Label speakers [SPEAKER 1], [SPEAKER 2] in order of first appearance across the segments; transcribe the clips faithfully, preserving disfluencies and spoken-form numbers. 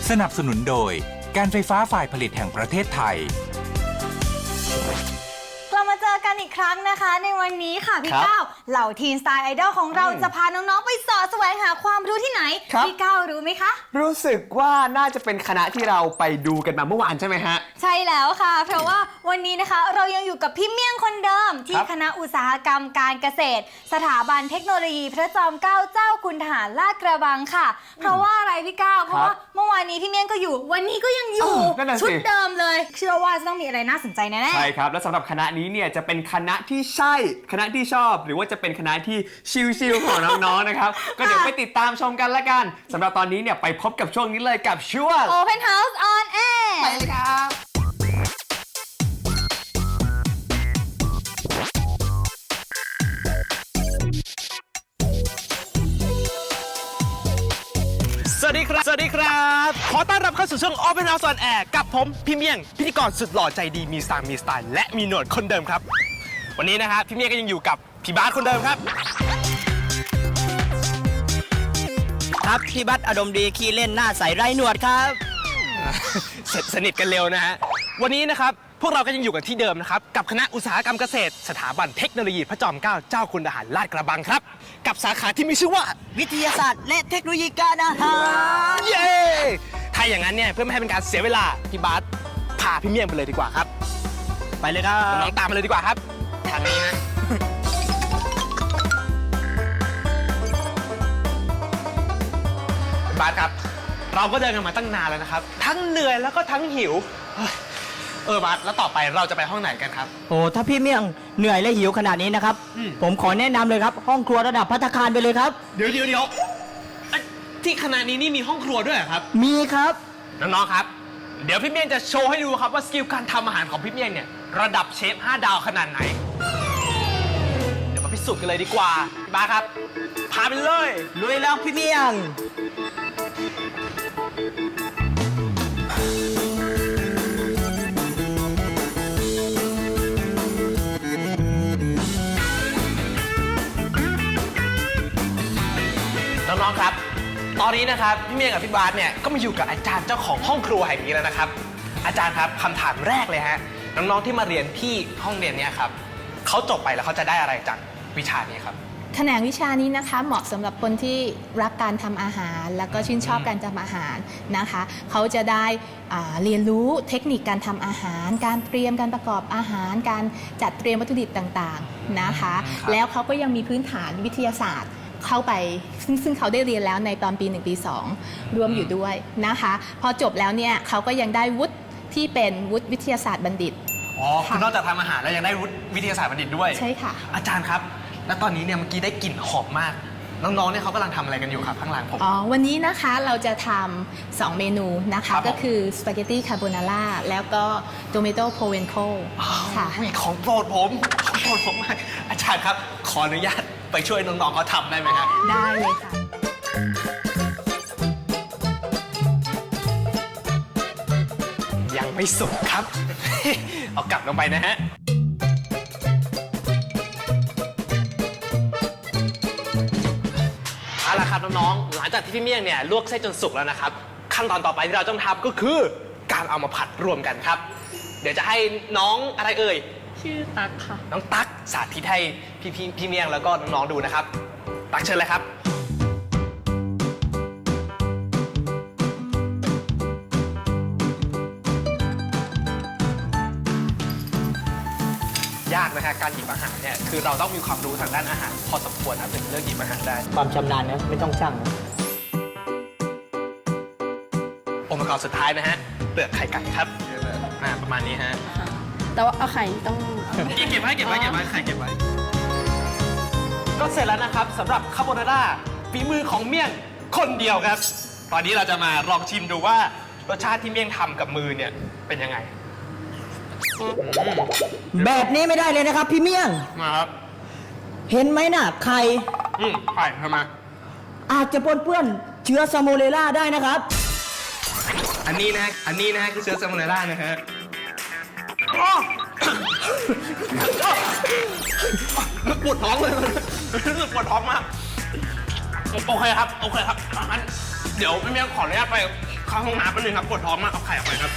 [SPEAKER 1] สนับสนุนโดยการไฟฟ้าฝ่ายผลิตแห่งประเทศไทย
[SPEAKER 2] กลับมาเจอกันอีกครั้งนะคะในวันนี้ค่ะพี่ก้าวเหล่าทีนสไตล์ไอดอลของเราจะพาน้องๆไปสอดแสวงหาความรู้ที่ไหนพี่ก้าวรู้ไหมคะ
[SPEAKER 3] รู้สึกว่าน่าจะเป็นคณะที่เราไปดูกันมาเมื่อวานใช่ไหมฮะ
[SPEAKER 2] ใช่แล้วค่ะเพราะว่าวันนี้นะคะเรายังอยู่กับพี่เมี่ยงคนเดิมที่คณะอุตสาหกรรมการเกษตรสถาบันเทคโนโลยีพระจอมเกล้าเจ้าคุณทหารลาดกระบังค่ะเพราะว่าอะไรพี่ก้าวเพราะว่าเมื่อวานนี้พี่เมี่ยงก็อยู่วันนี้ก็ยังอยู่ชุดเดิมเลยเชื่อว่าจะต้องมีอะไรน่าสนใจแน่ๆ
[SPEAKER 3] ใช่ครับและสำหรับคณะนี้เนี่ยจะเป็นคณะที่ใช่คณะที่ชอบหรือว่าจะเป็นคณะที่ชิลๆของน้องๆนะครับก็เดี๋ยวไปติดตามชมกันละกันสำหรับตอนนี้เนี่ยไปพบกับช่วงนี้เลยกับช่วง
[SPEAKER 2] Open House on Air
[SPEAKER 3] ไปเลยครับ
[SPEAKER 4] สวัสดีครับสวัสดีครับขอต้อนรับเข้าสู่ช่วง Open House on Air กับผมพี่เมี่ยงพิธีกรสุดหล่อใจดีมีสไตล์มีสไตล์และมีหนวดคนเดิมครับวันนี้นะครับพี่เมี่ยงก็ยังอยู่กับพี่บาสคนเดิมครับ
[SPEAKER 5] ครับพี่บัสอารมณ์ดีขี้เล่นหน้าใสไร้หนวดครับ
[SPEAKER 4] เสร็จสนิทกันเร็วนะฮะวันนี้นะครับพวกเราก็ยังอยู่กันที่เดิมนะครับกับคณะอุตสาหกรรมเกษตรสถาบันเทคโนโลยีพระจอมเกล้าเจ้าคุณทหารลาดกระบังครับกับสาขาที่มีชื่อว่า
[SPEAKER 5] วิทยาศาสตร์และเทคโนโลยีการอาหาร
[SPEAKER 4] เย้ถ้าอย่างนั้นเนี่ยเพื่อไม่ให้เป็นการเสียเวลาพี่บาสพาพี่เมี่ยงไปเลยดีกว่าครับ
[SPEAKER 5] ไปเลยครับ
[SPEAKER 4] น้องตามมาเลยดีกว่าครับทางนี้นะบาสครับเราก็เดินกันมาตั้งนานแล้วนะครับทั้งเหนื่อยแล้วก็ทั้งหิวเออบาสแล้วต่อไปเราจะไปห้องไหนกันครับ
[SPEAKER 5] โอ้ถ้าพี่เมี่ยงเหนื่อยและหิวขนาดนี้นะครับผมขอแนะนำเลยครับห้องครัวระดับภัตตาคารไปเลยครับ
[SPEAKER 4] เดี๋ยวเดี๋ยวเดี๋ยวที่คณะนี้นี่มีห้องครัวด้วยเหรอครับ
[SPEAKER 5] มีครับ
[SPEAKER 4] น้องๆครับเดี๋ยวพี่เมี่ยงจะโชว์ให้ดูครับว่าสกิลการทำอาหารของพี่เมี่ยงเนี่ยระดับเชฟห้าดาวขนาดไหนเดี๋ยวมาพิสูจน์กันเลยดีกว่าพี่บาสครับพาไปเลย
[SPEAKER 5] ลุยแล้วพี่เมี่ยง
[SPEAKER 4] น้องๆครับตอนนี้นะครับพี่เมียกับพี่บาสเนี่ยก็มาอยู่กับอาจารย์เจ้าของห้องครัวแห่งนี้แล้วนะครับอาจารย์ครับคำถามแรกเลยฮะน้องๆที่มาเรียนที่ห้องเรียนนี้ครับเขาจบไปแล้วเขาจะได้อะไรจากวิชานี้ครับ
[SPEAKER 6] แขนงวิชานี้นะคะเหมาะสำหรับคนที่รักการทำอาหารแล้วก็ชื่นชอบการทำอาหารนะคะเขาจะได้เรียนรู้เทคนิคการทำอาหารการเตรียมการประกอบอาหารการจัดเตรียมวัตถุดิบต่างๆนะคะแล้วเขาก็ยังมีพื้นฐานวิทยาศาสตร์เข้าไปซึ่งซึ่งเขาได้เรียนแล้วในตอนปีหนึ่งปีสองรวมอยู่ด้วยนะคะพอจบแล้วเนี่ยเขาก็ยังได้วุฒิที่เป็นวุฒิวิทยาศาสตร์บัณฑิต
[SPEAKER 4] อ๋อคือนอกจากทำอาหารแล้วยังได้วุฒิวิทยาศาสตร์บัณฑิตด้วย
[SPEAKER 6] ใช่ค่ะ
[SPEAKER 4] อาจารย์ครับแล้วตอนนี้เนี่ยเมื่อกี้ได้กลิ่นหอมมากน้องๆเนี่ยเขากำลังทำอะไรกันอยู่ครับข้างหลังผม
[SPEAKER 6] อ๋อวันนี้นะคะเราจะทำสองเมนูนะคะก็คือสปาเกตตี้คาโบนาร่าแล้วก็โตเมโต้โพเวนโคค่ะ
[SPEAKER 4] ของโปรดผมของโปรดผมมากอาจารย์ครับขออนุญาตไปช่วยน้องๆเขาทำได้ไหมครับ
[SPEAKER 6] ได้เลยค่ะ
[SPEAKER 4] ยังไม่สุกครับ เอากลับลงไปนะฮะเอาล่ะครับน้องๆหลังจากที่พี่เมี่ยงเนี่ยลวกเส้นจนสุกแล้วนะครับขั้นตอนต่อไปที่เราต้องทำก็คือการเอามาผัดรวมกันครับเดี๋ยวจะให้น้องอะไรเอ่ย
[SPEAKER 6] ชื่อตั๊กค่ะ
[SPEAKER 4] น้องตั๊กสาธิตให้พี่พี่พี่เมี่ยงแล้วก็น้องๆดูนะครับตั๊กเชิญเลยครับยากนะฮะการหยิบอาหารเนี่ยคือเราต้องมีความรู้ทางด้านอาหารพอสมควรนะถึงเลือกหยิบอาหารได้
[SPEAKER 5] ความชำนาญนะไม่ต้องช่าง
[SPEAKER 4] องค์ประกอบสุดท้ายนะฮะเปลือกไข่ไก่ครับประมาณนี้ฮะ
[SPEAKER 6] แต่ว่าเอาไข่ต้อง
[SPEAKER 4] เก็บไว้เก็บไว้เก็บไว้ไข่เก็บไว้ก็เสร็จแล้วนะครับสำหรับคาโบนาร่าฝีมือของเมี่ยงคนเดียวครับตอนนี้เราจะมาลองชิมดูว่ารสชาติที่เมี่ยงทำกับมือเนี่ยเป็นยังไง
[SPEAKER 5] แบบนี้ไม่ได้เลยนะครับพี่เมี่ยง
[SPEAKER 4] มาครับ
[SPEAKER 5] เห็นไหมน่ะไข่
[SPEAKER 4] อืมไข่ทำไม
[SPEAKER 5] อาจจะปนเปื้อนเชื้อซาโมเนลล่าได้นะครับ
[SPEAKER 4] อันนี้นะอันนี้นะคือเชื้อซาโมเนลล่านะฮะปวดท้องเลยรู้สึกปวดท้องมากโอเคครับโอเคครับงั้นเดี๋ยวพี่เมี่ยงขออนุญาตไปเข้าห้องน้ำแป๊บนึงครับปวดท้องมากเอาไข่ออกไปครับ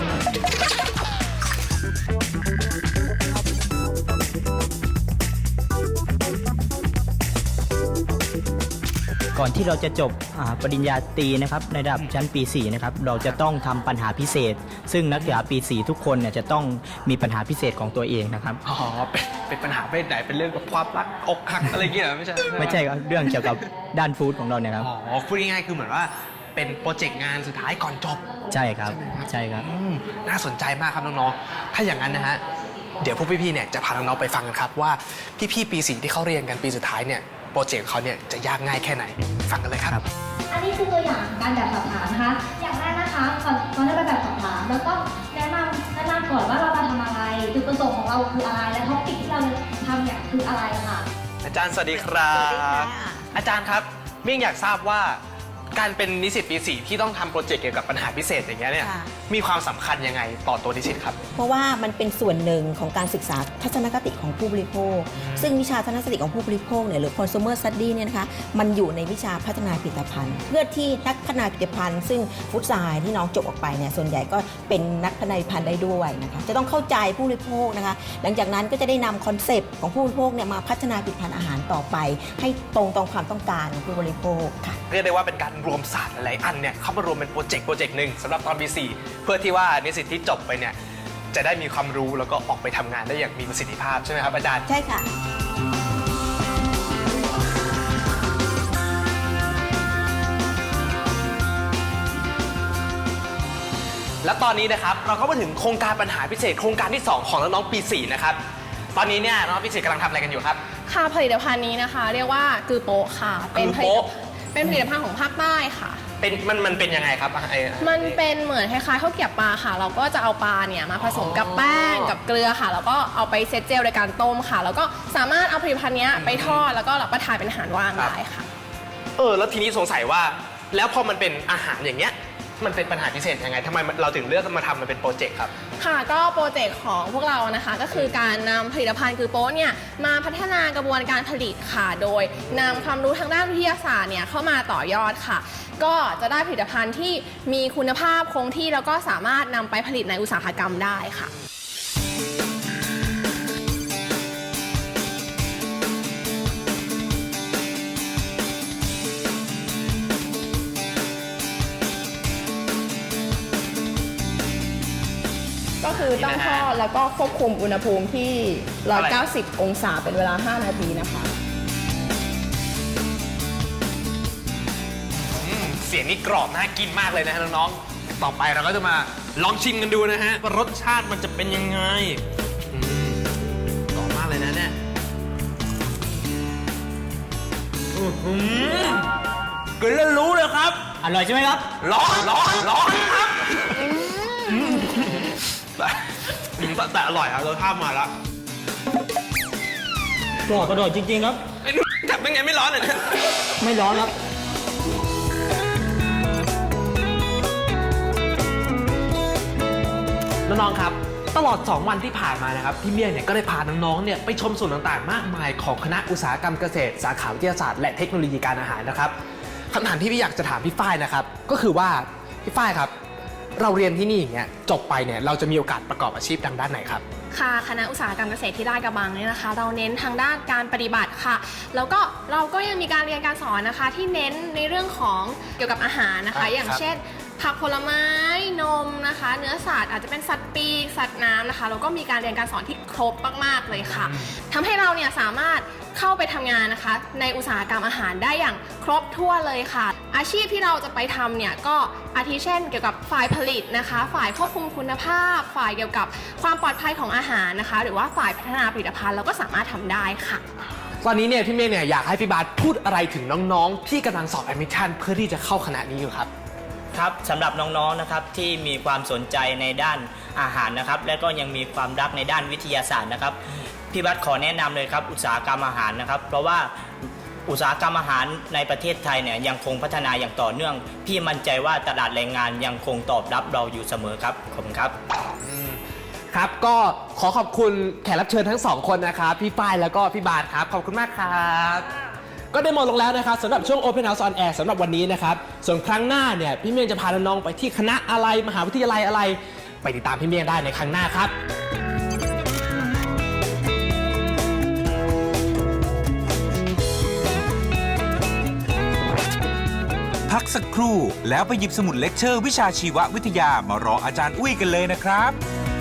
[SPEAKER 5] ก่อนที่เราจะจบอ่าปริญญาตรีนะครับในระดับชั้นปีสี่นะครับเราจะต้องทำปัญหาพิเศษ ซึ่งนักศึกษาปีสี่ทุกคนเนี่ยจะต้องมีปัญหาพิเศษของตัวเองนะครับ
[SPEAKER 4] อ๋อ เป็นเป็นปัญหาเพศไหน เป็นเรื่องกับความรักอกหักอะไรเงี้ยไม่ใช่
[SPEAKER 5] ไม่ใช่ครับเรื่องเกี่ยวกับด้านฟู้ดของเราเนี่ยครับ
[SPEAKER 4] อ๋อ พูดง่ายๆคือเหมือนว่าเป็นโปรเจกต์งานสุดท้ายก่อนจบ
[SPEAKER 5] ใช่ครับใช่ครับ
[SPEAKER 4] อืมน่าสนใจมากครับน้องๆ ถ้าอย่างนั้นนะฮะ เดี๋ยวพวกพี่ๆ เนี่ยจะพาน้องๆ ไปฟังกันครับว่าพี่ๆ ปีสี่ที่เขาเรียนกันปีสุดท้ายเนี่ยโปรเจกต์เขาเนี่ยจะยากง่ายแค่ไหน ฟังกันเลยครับ
[SPEAKER 2] อันนี้คือตัวอย่างการแบบสอบถามนะคะ อย่างแรกนะคะก่อนก่อนที่จะแบบสอบถามเราต้องแนะนำแนะนำก่อนว่าเรามาทำอะไรจุดประสงค์ของเราคืออะไร และท็อปิกที่เราจะทำเนี่ยคืออะไรค่ะ
[SPEAKER 4] อาจารย์สวัสดีครับ อาจารย์ครับเมี่ยงอยากทราบว่าการเป็นนิสิตปีสี่ที่ต้องทำโปรเจกต์เกี่ยวกับปัญหาพิเศษอย่างเงี้ยเนี่ย
[SPEAKER 7] ค่ะ
[SPEAKER 4] มีความสำคัญยังไงต่อตัวนิสิตครับ
[SPEAKER 7] เพราะว่ามันเป็นส่วนหนึ่งของการศึกษาทัศนคติของผู้บริโภค ซึ่งวิชาทัศนคติของผู้บริโภคเนี่ยหรือ consumer study เนี่ยนะคะมันอยู่ในวิชาพัฒนาผลิตภัณฑ์ เพื่อที่นักพัฒนาผลิตภัณฑ์ซึ่งฟุตไซน์ที่น้องจบออกไปเนี่ยส่วนใหญ่ก็เป็นนักพัฒนาผลิตภัณฑ์ได้ด้วยนะคะจะต้องเข้าใจผู้บริโภคนะคะหลังจากนั้นก็จะได้นำคอนเซปต์ของผู้บริโภคเนี่ยมาพัฒนาผลิตภัณฑ์อาหารต่อไป ให้ตรงตรงความต้องการของผู้บริโภคค่ะ
[SPEAKER 4] เรียกได้ว่าเป็นการรวมศาสตร์หลายๆอันเนี่ยเข้ามารวมเป็นโปรเจกต์โปรเจกต์หนึ่งสำหรับตอนปีสี่เพื่อที่ว่านิสิตที่จบไปเนี่ยจะได้มีความรู้แล้วก็ออกไปทำงานได้อย่างมีประสิทธิภาพใช่ไหมครับอาจารย์
[SPEAKER 7] ใช่ค่ะ
[SPEAKER 4] และตอนนี้นะครับเราก็มาถึงโครงการปัญหาพิเศษโครงการที่สองของน้องๆปีสี่นะครับตอนนี้เนี่ยน้องๆปีสี่กำลังทำอะไรกันอยู่ครับ
[SPEAKER 8] ค่ะผลิตภัณฑ์นี้นะคะ เรียกว่ากือโปะค่ะ เป็นผลิต
[SPEAKER 4] กือโป๊ะ
[SPEAKER 8] เป็นผลิตภัณฑ์ของภาคใต้ค่ะ
[SPEAKER 4] เป็นมันมันเป็นยังไงครับไอ้
[SPEAKER 8] มันเป็นเหมือนคล้ายๆข้าวเกรี๊ยวปลาค่ะ เราก็จะเอาปลาเนี่ยมาผสมกับแป้งกับเกลือค่ะ แล้วก็เอาไปเซตเจลในการต้มค่ะ แล้วก็สามารถเอาผลิตภัณฑ์เนี้ยไปทอดแล้วก็รับประทานเป็นอาหารว่างได้ค่ะ
[SPEAKER 4] เออแล้วทีนี้สงสัยว่าแล้วพอมันเป็นอาหารอย่างเงี้ยมันเป็นปัญหาพิเศษยังไงทำไมเราถึงเลือกมาทำมันเป็นโปรเจกต์ครับ
[SPEAKER 8] ค่ะก็โปรเจกต์ของพวกเรานะคะก็คือการนำผลิตภัณฑ์คือโป๊ะเนี่ยมาพัฒนากระบวนการผลิตค่ะ โดยนำความรู้ทางด้านวิทยาศาสตร์เนี่ยเข้ามาต่อยอดค่ะ ก็จะได้ผลิตภัณฑ์ที่มีคุณภาพคงที่แล้วก็สามารถนำไปผลิตในอุตสาหกรรมได้ค่ะ ก็คือต้องทอดแล้วก็ควบคุมอุณหภูมิที่ หนึ่งร้อยเก้าสิบ องศาเป็นเวลา ห้า นาทีนะคะ
[SPEAKER 4] อืมเสียงนี่กรอบน่ากินมากเลยนะฮะน้องๆ ต่อไปเราก็จะมาลองชิมกันดูนะฮะว่ารสชาติมันจะเป็นยังไงอืมกรอบมากเลยนะเนี่ยอื้อหือกินแล้วรู้เลยครับ
[SPEAKER 5] อร่อยใช่ไหมครับ
[SPEAKER 4] ร้อนร้อนร้อนครับแต่แต่แต่อร่อยครับรสชาติมาแล้ว
[SPEAKER 5] กรอบอร่อยจริงๆครับ
[SPEAKER 4] ไอ้นี่จับเป็นไงไม่ร้อนเลยนะ
[SPEAKER 5] ไม่ร้อนครับ
[SPEAKER 4] น้องๆ ครับ ตลอด สอง วันที่ผ่านมานะครับพี่เมี่ยงเนี่ยก็ได้พาน้องๆ เนี่ยไปชมส่วนต่างๆ มากมายของคณะอุตสาหกรรมเกษตร สาขาวิทยาศาสตร์และเทคโนโลยีการอาหารนะครับคำถามที่พี่อยากจะถามพี่ฝ้ายนะครับก็คือว่าพี่ฝ้ายครับเราเรียนที่นี่อย่างเงี้ยจบไปเนี่ยเราจะมีโอกาสประกอบอาชีพทางด้านไหนครับ
[SPEAKER 8] ค่ะคณะอุตสาหกรรมเกษตรที่ลาดกระบังเนี่ยนะคะ เราเน้นทางด้านการปฏิบัติค่ะ แล้วก็เราก็ยังมีการเรียนการสอนนะคะ ที่เน้นในเรื่องของเกี่ยวกับอาหารนะคะ
[SPEAKER 4] อ่ะ
[SPEAKER 8] อย่าง
[SPEAKER 4] ครับ
[SPEAKER 8] เช่น ผักผลไม้นมนะคะ เนื้อสัตว์อาจจะเป็นสัตว์ปีกสัตว์น้ำนะคะแล้วก็มีการเรียนการสอนที่ครบมากๆเลยค่ะทำให้เราเนี่ยสามารถเข้าไปทำงานนะคะ ในอุตสาหกรรมอาหารได้อย่างครบถ้วนเลยค่ะ อาชีพที่เราจะไปทำเนี่ยก็อาทิเช่น เกี่ยวกับฝ่ายผลิตนะคะ ฝ่ายควบคุมคุณภาพ ฝ่ายเกี่ยวกับความปลอดภัยของอาหารนะคะ หรือว่าฝ่ายพัฒนาผลิตภัณฑ์เราก็สามารถทำได้ค่ะ
[SPEAKER 4] ตอนนี้เนี่ยพี่เมฆเนี่ยอยากให้พี่บาสพูดอะไรถึงน้องๆ ที่กำลังสอบแอดมิชชั่นเพื่อที่จะเข้าคณะนี้อยู่ครับ
[SPEAKER 5] ครับสำหรับน้องๆนะครับที่มีความสนใจในด้านอาหารนะครับและก็ยังมีความรักในด้านวิทยาศาสตร์นะครับพี่บัสขอแนะนำเลยครับอุตสาหกรรมอาหารนะครับเพราะว่าอุตสาหกรรมอาหารในประเทศไทยเนี่ยยังคงพัฒนาอย่างต่อเนื่องพี่มั่นใจว่าตลาดแรงงานยังคงตอบรับเราอยู่เสมอครับขอบคุณครับ
[SPEAKER 4] ครับก็ขอขอบคุณแขกรับเชิญทั้งสองคนนะครับพี่ฝ้ายแล้วก็พี่บาสครับขอบคุณมากครับก็ได้หมดลงแล้วนะครับสำหรับช่วง Open House on Air สำหรับวันนี้นะครับส่วนครั้งหน้าเนี่ยพี่เมียงจะพาน้องๆไปที่คณะอะไรมหาวิทยาลัยอะไรไปติดตามพี่เมียงได้ในครั้งหน้าครับ
[SPEAKER 1] พักสักครู่แล้วไปหยิบสมุดเลคเชอร์วิชาชีววิทยามารออาจารย์อุ้ยกันเลยนะครับ